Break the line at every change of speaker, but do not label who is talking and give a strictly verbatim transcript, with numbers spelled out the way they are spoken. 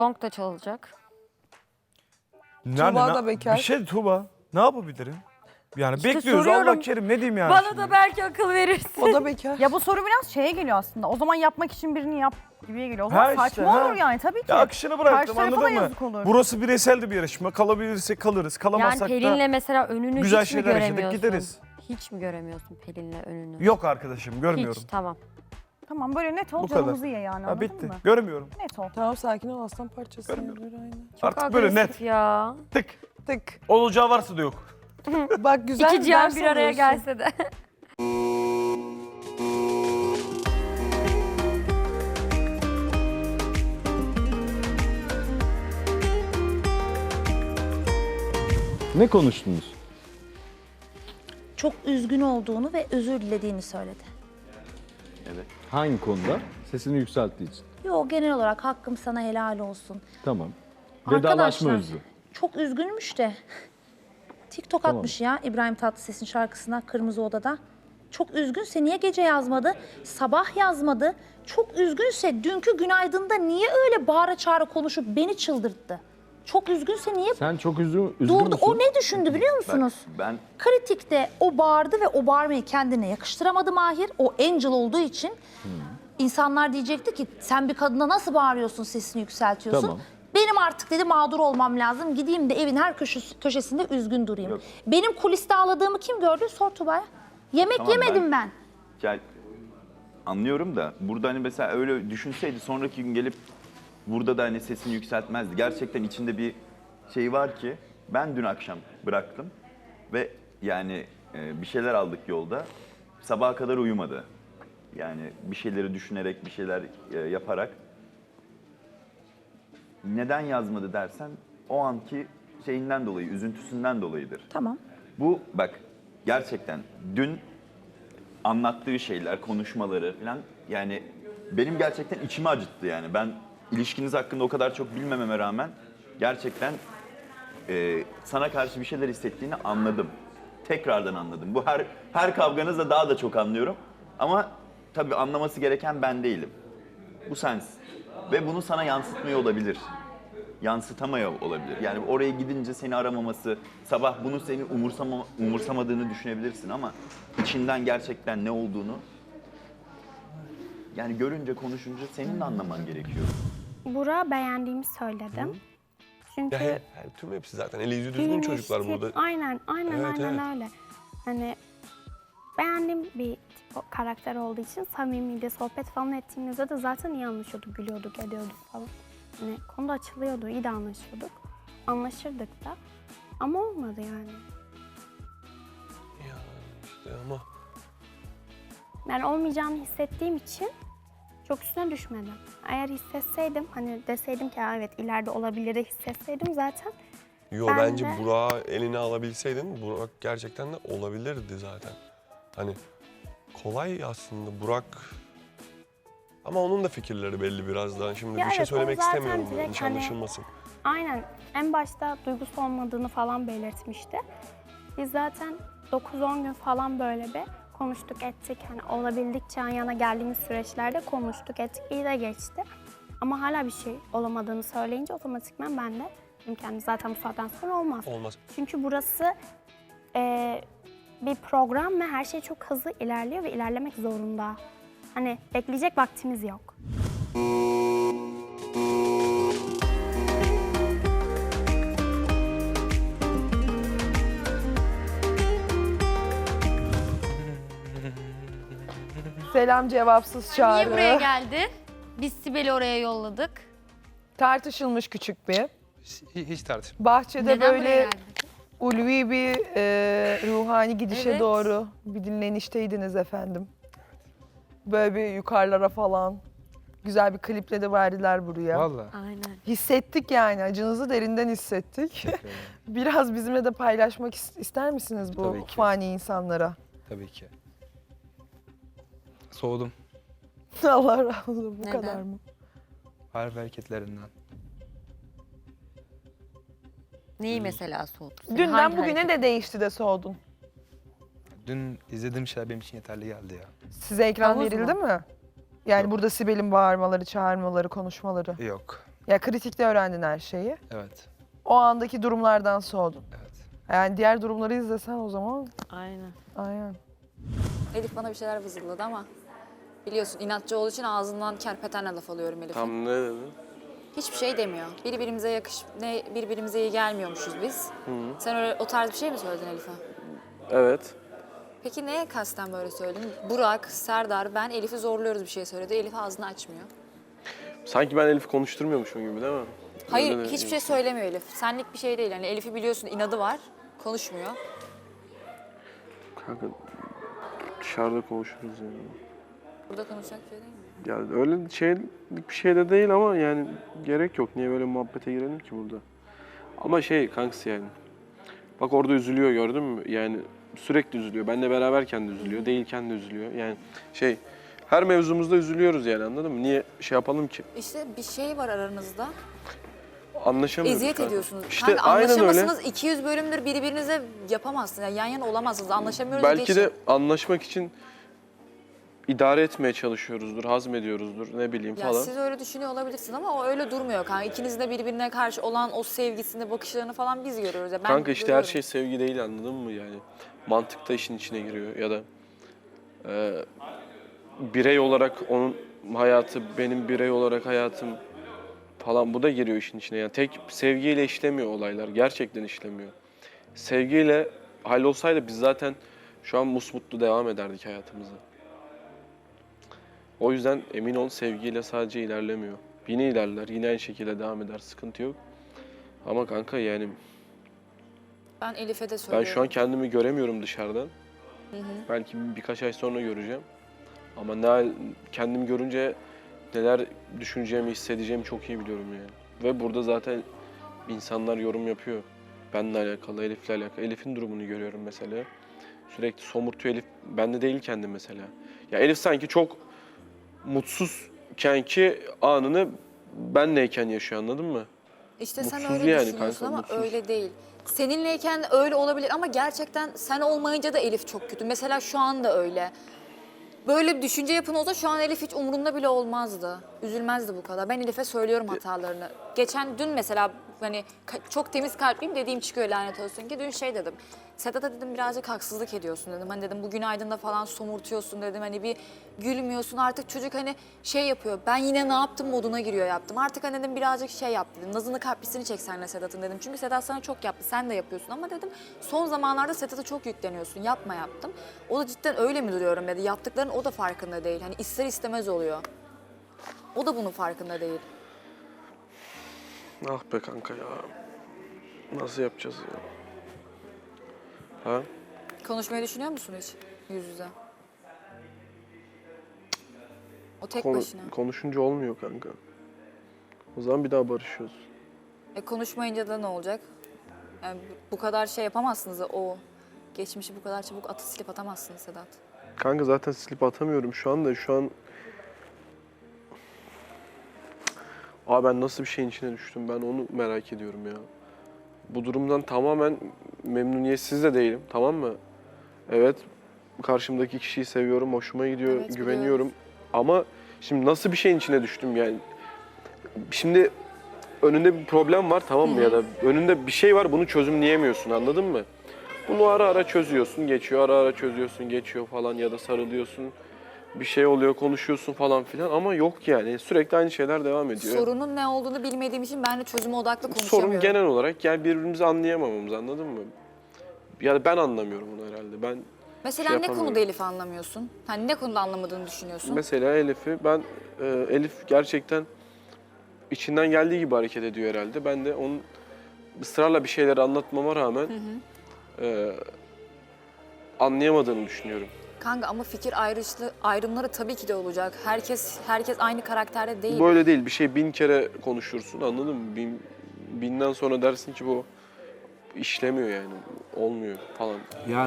Gong da çalacak.
Yani
Tuğba
na-
da bekar.
Bir şey Tuğba. Ne yapabilirim? Yani
İşte
bekliyoruz
soruyorum.
Allah kerim ne diyeyim yani
Bana
şimdi?
da belki akıl verirsin.
O da bekar.
Ya bu soru biraz şeye geliyor aslında. O zaman yapmak için birini yap gibiye geliyor. O zaman
Ha işte,
saçma
ha.
olur yani tabii ki.
Ya akışını bıraktım
Karşı tarafa da
anladın mı?
yazık olur.
Burası bireysel de bir yarışma. Kalabilirsek kalırız.
Yani
Kalamazsak
Pelin'le
da
mesela önünü
güzel
hiç mi
şeyler yaşadık
göremiyorsun?
gideriz.
Hiç mi göremiyorsun Pelin'le önünü?
Yok arkadaşım görmüyorum.
Hiç, tamam.
Tamam böyle net ol
Bu kadar.
canımızı ye yani
Ha,
anladın
bitti.
mı?
Görmüyorum.
Net ol.
Tamam sakin ol aslan parçası.
Görmüyorum.
Böyle aynen.
Artık böyle net.
Agresif ya.
Tık.
Tık.
Olacağı varsa da yok.
Bak güzel
İki cihan
ders
bir araya
alıyorsun.
gelse de.
Ne konuştunuz?
Çok üzgün olduğunu ve özür dilediğini söyledi.
Hangi konuda? Sesini yükselttiği için.
Yo, genel olarak hakkım sana helal olsun.
Tamam. Vedalaşma
Arkadaşlar,
özlü.
çok üzgünmüş de. TikTok
Tamam.
atmış ya İbrahim Tatlıses'in şarkısına Kırmızı Oda'da. Çok üzgünse niye gece yazmadı? Sabah yazmadı. Çok üzgünse dünkü günaydında niye öyle bağıra çağıra konuşup beni çıldırttı? Çok üzgünse niye
Sen çok üzgün, üzgün
durdu?
müsün?
O ne düşündü biliyor musunuz?
Ben
Kritikte o bağırdı ve o bağırmayı kendine yakıştıramadı Mahir. O Angel olduğu için insanlar diyecekti ki sen bir kadına nasıl bağırıyorsun, sesini yükseltiyorsun.
Tamam.
Benim artık dedi mağdur olmam lazım. Gideyim de evin her köşesi, köşesinde üzgün durayım.
Yok.
Benim kuliste ağladığımı kim gördü? Sor Tuba'ya. Yemek
Tamam,
yemedim ben.
ya, anlıyorum da burada hani mesela öyle düşünseydi sonraki gün gelip burada da hani sesini yükseltmezdi. Gerçekten içinde bir şey var ki ben dün akşam bıraktım ve yani e, bir şeyler aldık yolda. Sabaha kadar uyumadı. Yani bir şeyleri düşünerek, bir şeyler e, yaparak. Neden yazmadı dersen o anki şeyinden dolayı, üzüntüsünden dolayıdır.
Tamam.
Bu bak gerçekten dün anlattığı şeyler, konuşmaları falan yani benim gerçekten içimi acıttı yani. Ben ilişkiniz hakkında o kadar çok bilmememe rağmen gerçekten e, sana karşı bir şeyler hissettiğini anladım. Tekrardan anladım. Bu her her kavganızda daha da çok anlıyorum. Ama tabii anlaması gereken ben değilim. Bu sensin. Ve bunu sana yansıtmıyor olabilir. Yansıtamıyor olabilir. Yani oraya gidince seni aramaması, sabah bunu seni umursama, umursamadığını düşünebilirsin ama içinden gerçekten ne olduğunu yani görünce, konuşunca senin de anlaman gerekiyor.
Burak'ı beğendiğimi söyledim. Çünkü
Ya he, he, tüm hepsi zaten eli yüzü düzgün çocuklar
tip-
burada.
Aynen, aynen,
Evet,
aynen
evet.
öyle. Hani beğendiğim bir tip, o karakter olduğu için samimiydi. Sohbet falan ettiğimizde de zaten iyi anlaşıyorduk, gülüyorduk, ediyorduk falan. Hani konuda açılıyordu, iyi de anlaşıyorduk. Anlaşırdık da. Ama olmadı yani.
Ya işte ama
Yani olmayacağını hissettiğim için çok üstüne düşmedim. Eğer hissetseydim, hani deseydim ki "Ha, evet ileride olabilir" de hissetseydim zaten.
yo
Ben
bence
de-
Burak'ı eline alabilseydin Burak gerçekten de olabilirdi zaten. Hani kolay aslında Burak ama onun da fikirleri belli biraz daha. Şimdi
Ya
bir şey
evet, o
söylemek
zaten
istemiyorum
direkt
yanlış
hani-
anlaşılmasın.
Aynen. En başta duygusu olmadığını falan belirtmişti. Biz zaten dokuz on gün falan böyle bir konuştuk ettik. Hani olabildikçe yan yana geldiğimiz süreçlerde konuştuk ettik. İyi de geçti. Ama hala bir şey olamadığını söyleyince otomatikman ben de dedim kendime zaten bu saatten sonra olmaz.
Olmaz.
Çünkü burası eee, bir program ve her şey çok hızlı ilerliyor ve ilerlemek zorunda. Hani bekleyecek vaktimiz yok.
Selam cevapsız çağrı.
Niye buraya geldin? Biz Sibel'i oraya yolladık.
Tartışılmış küçük bir.
Hiç tartışma.
Bahçede
Neden buraya
böyle
geldin?
ulvi bir e, ruhani gidişe
Evet.
doğru bir dinlenişteydiniz efendim. Böyle bir yukarılara falan. Güzel bir kliple de verdiler buraya.
Vallahi.
Aynen.
Hissettik yani, acınızı derinden hissettik. Biraz bizimle de paylaşmak is- ister misiniz bu
Tabii ki.
fani insanlara?
Tabii ki. Soğudum.
Allah razı olsun, bu
Neden?
kadar mı?
Harf hareketlerinden.
Neyi mesela soğuttu seni?
Dünden
Hangi
bugüne
hareket?
de değişti de soğudun.
Dün izlediğim şeyler benim için yeterli geldi ya.
Size ekran
Havuz
verildi
mu?
mi? Yani
Yok.
burada Sibel'in bağırmaları, çağırmaları, konuşmaları.
Yok.
Ya kritikte öğrendin her şeyi.
Evet.
O andaki durumlardan soğudun.
Evet.
Yani diğer durumları izlesen o zaman
Aynen.
aynen.
Elif bana bir şeyler vızıldadı ama biliyorsun inatçı olduğu için ağzından kerpetenle laf alıyorum Elif'e.
Tam ne dedi?
Hiçbir şey demiyor. Birbirimize yakış, ne birbirimize iyi gelmiyormuşuz biz. Sen öyle o tarz bir şey mi söyledin Elif'e?
Evet.
Peki neye kasten böyle söyledin? Burak, Serdar, ben Elif'i zorluyoruz bir şey söyledi. Elif ağzını açmıyor.
Sanki ben Elif'i konuşturmuyormuşum gibi değil mi?
Hayır,
Öyle de-
hiçbir şey söylemiyor Elif. Senlik bir şey değil. Yani Elif'i biliyorsun inadı var. Konuşmuyor.
Kanka dışarıda konuşuruz yani.
Burada konuşacak bir şey değil mi?
Yani öyle şeylik bir şey de değil ama yani gerek yok. Niye böyle muhabbete girelim ki burada? Ama şey kankası yani. Bak orada üzülüyor gördün mü? Yani sürekli üzülüyor. Benle beraberken de üzülüyor. Değilken de üzülüyor. Yani şey her mevzumuzda üzülüyoruz yani anladın mı? Niye şey yapalım ki?
İşte bir şey var aranızda.
Anlaşamıyoruz.
Eziyet
kanka.
ediyorsunuz.
İşte
Kanka
aynen öyle.
anlaşamazsınız. iki yüz bölümdür birbirinize yapamazsınız. Yani yan yana olamazsınız. Anlaşamıyoruz.
Belki
geçin.
de anlaşmak için idare etmeye çalışıyoruzdur, hazmediyoruzdur ne bileyim
Ya
falan.
siz öyle düşünüyor olabilirsiniz ama o öyle durmuyor kanka. İkinizin de birbirine karşı olan o sevgisini, bakışlarını falan biz görüyoruz. Ya ben
Kanka işte
görüyorum.
her şey sevgi değil anladın mı yani? Mantık da işin içine giriyor ya da e, birey olarak onun hayatı, benim birey olarak hayatım falan bu da giriyor işin içine. Yani tek sevgiyle işlemiyor olaylar, gerçekten işlemiyor. Sevgiyle hallolsaydı biz zaten şu an musmutlu devam ederdik hayatımıza. O yüzden emin ol sevgiyle sadece ilerlemiyor. Yine ilerler, yine aynı şekilde devam eder, sıkıntı yok. Ama kanka yani
Ben Elif'e de
ben
söylüyorum.
şu an kendimi göremiyorum dışarıdan.
Hı hı.
Belki birkaç ay sonra göreceğim. Ama ne hal- kendimi görünce neler düşüneceğimi, hissedeceğimi çok iyi biliyorum yani. Ve burada zaten insanlar yorum yapıyor. Benimle alakalı, Elif'le alakalı. Elif'in durumunu görüyorum mesela. Sürekli somurtuyor Elif. Bende değil kendi mesela. Ya Elif sanki çok mutsuzken ki anını benleyken yaşıyor anladın mı?
İşte sen
Mutsuz
öyle
yani
düşünüyorsun
kanka,
ama
mutsuz.
öyle değil. Seninleyken öyle olabilir ama gerçekten sen olmayınca da Elif çok kötü. Mesela şu anda öyle. Böyle bir düşünce yapın olsa şu an Elif hiç umurunda bile olmazdı. Üzülmezdi bu kadar. Ben Elif'e söylüyorum hatalarını. Geçen dün mesela hani ka- çok temiz kalpliyim dediğim çıkıyor lanet olsun ki. Dün şey dedim. Sedat'a dedim birazcık haksızlık ediyorsun dedim. Hani dedim bu günaydın'da falan somurtuyorsun dedim. Hani bir gülmüyorsun artık çocuk hani şey yapıyor. Ben yine ne yaptım moduna giriyor yaptım. Artık hani dedim birazcık şey yap dedim. Nazını kaprisini çek senle Sedat'ın dedim. Çünkü Sedat sana çok yaptı. Sen de yapıyorsun ama dedim son zamanlarda Sedat'a çok yükleniyorsun. Yapma yaptım. O da cidden öyle mi duruyorum dedi. Yaptıklarının o da farkında değil. Hani ister istemez oluyor. O da bunun farkında değil.
Ah be kanka ya. Nasıl yapacağız ya? Ha?
Konuşmayı düşünüyor musun hiç yüz yüze? O tek
Konu-
başına.
konuşunca olmuyor kanka. O zaman bir daha barışıyoruz.
E konuşmayınca da ne olacak? Yani bu kadar şey yapamazsınız o geçmişi bu kadar çabuk atı silip atamazsınız Sedat.
Kanka zaten silip atamıyorum şu anda. Şu an... Abi ben nasıl bir şeyin içine düştüm ben onu merak ediyorum ya. Bu durumdan tamamen memnuniyetsiz de değilim tamam mı? Evet karşımdaki kişiyi seviyorum, hoşuma gidiyor,
Evet,
güveniyorum.
biliyorum.
Ama şimdi nasıl bir şeyin içine düştüm yani? Şimdi önünde bir problem var tamam mı ya da önünde bir şey var bunu çözümleyemiyorsun anladın mı? Bunu ara ara çözüyorsun, geçiyor, ara ara çözüyorsun, geçiyor falan ya da sarılıyorsun. Bir şey oluyor, konuşuyorsun falan filan ama yok yani. Sürekli aynı şeyler devam ediyor.
Sorunun ne olduğunu bilmediğim için ben de çözüme odaklı konuşamıyorum.
Sorun genel olarak yani birbirimizi anlayamamamız anladın mı? Ya da ben anlamıyorum onu herhalde. Ben
Mesela
şey
ne
yapamıyorum.
konuda Elif'i anlamıyorsun? Hani ne konuda anlamadığını düşünüyorsun?
mesela Elif'i ben e, Elif gerçekten içinden geldiği gibi hareket ediyor herhalde. Ben de onun ısrarla bir şeyleri anlatmama rağmen e, anlayamadığını düşünüyorum.
Kanka ama fikir ayrışlı ayrımları tabii ki de olacak. Herkes herkes aynı karakterde değil.
Böyle değil. Bir şey bin kere konuşursun anladın mı? Bin, binden sonra dersin ki bu işlemiyor yani. Olmuyor falan.